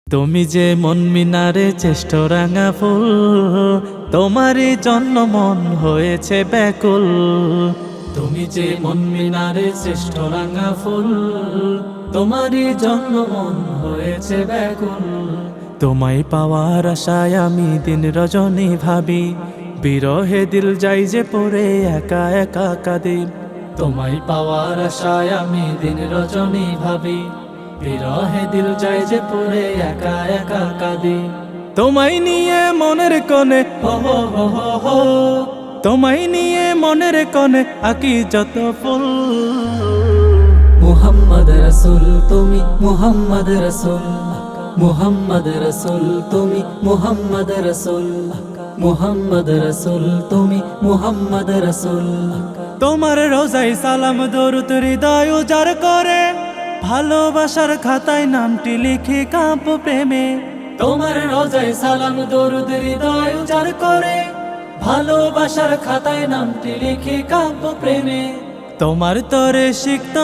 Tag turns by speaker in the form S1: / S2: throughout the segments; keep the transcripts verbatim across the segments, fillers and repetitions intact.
S1: তুমি যে মন মিনারে চেষ্ট রাঙা ফুল, তোমারই জন্য মন হয়েছে ব্যাকুল। তুমি যে মন মিনারে চেষ্ট রাঙা ফুল, তোমারই জন্য মন হয়েছে ব্যাকুল। তোমায় পাওয়ার আশায় আমি দিন রজনী ভাবি, বিরহে দিল যাই যে পড়ে একা একা কাঁদি। তোমায় পাওয়ার আশায় আমি দিন রজনী ভাবি, বিরহে দিল যায় যে পড়ে একা একা কাঁদি। তোমায় নিয়ে মনের কোণে হো হো হো হো হো, তোমায় নিয়ে মনের কোণে আঁকি যত ফুল।
S2: মুহাম্মদ রসুল তুমি মুহাম্মদ রসুল, মুহাম্মদ রসুল তুমি মুহাম্মদ রসুল, মুহাম্মদ রসুল তুমি মুহাম্মদ রসুল।
S1: তোমার রোজাই সালাম দরুদ হৃদয় উজাড় করে, ভালোবাসার খাতায় নামটি লিখি কাঁপ প্রেমে।
S2: তোমার রোজায় সালাম দরুদ হৃদয় উজাড় করে, ভালোবাসার খাতায় নামটি লিখে কাব্য প্রেমে।
S1: তোমার তরে শিখত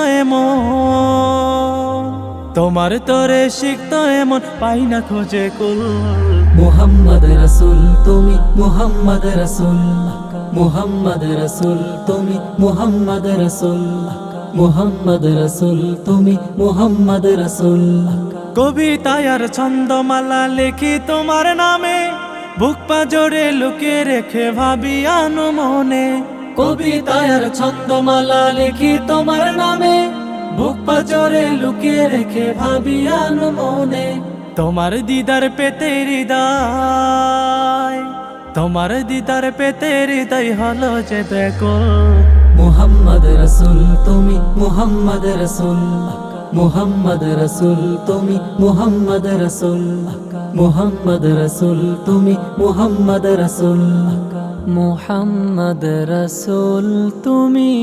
S1: এমন, তোমার তরে শিখত এমন পাই না খোঁজে কুল।
S2: মুহাম্মদ রসুল তুমি মুহাম্মদ রসুল, মুহাম্মদ রসুল তুমি মুহাম্মদ রসুল, মুহাম্মদ রসুল তুমি মুহাম্মদ রসুল।
S1: কবিতায় আর ছন্দমালা লেখি তোমার নামে, বুক পাজরে লুকিয়ে রেখে ভাবি আনো মনে।
S2: কবিতায় আর ছন্দমালা লিখি তোমার নামে, বুক পাজরে লুকিয়ে রেখে ভাবি আনো মনে।
S1: তোমার দিদার পেতে হৃদয়, তোমার দিদার পেতে হৃদয় হলো যে ব্যাকুল।
S2: মুহাম্মদ রসুল তুমি মুহাম্মদ রসুল, মুহাম্মদ রসুল তুমি মুহাম্মদ রসুল, মুহাম্মদ রসুল তুমি মুহাম্মদ রসুল, মুহাম্মদ রসুল তুমি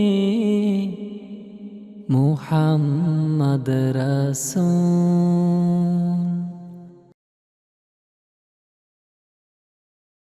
S2: মুহাম্মদ রসুল।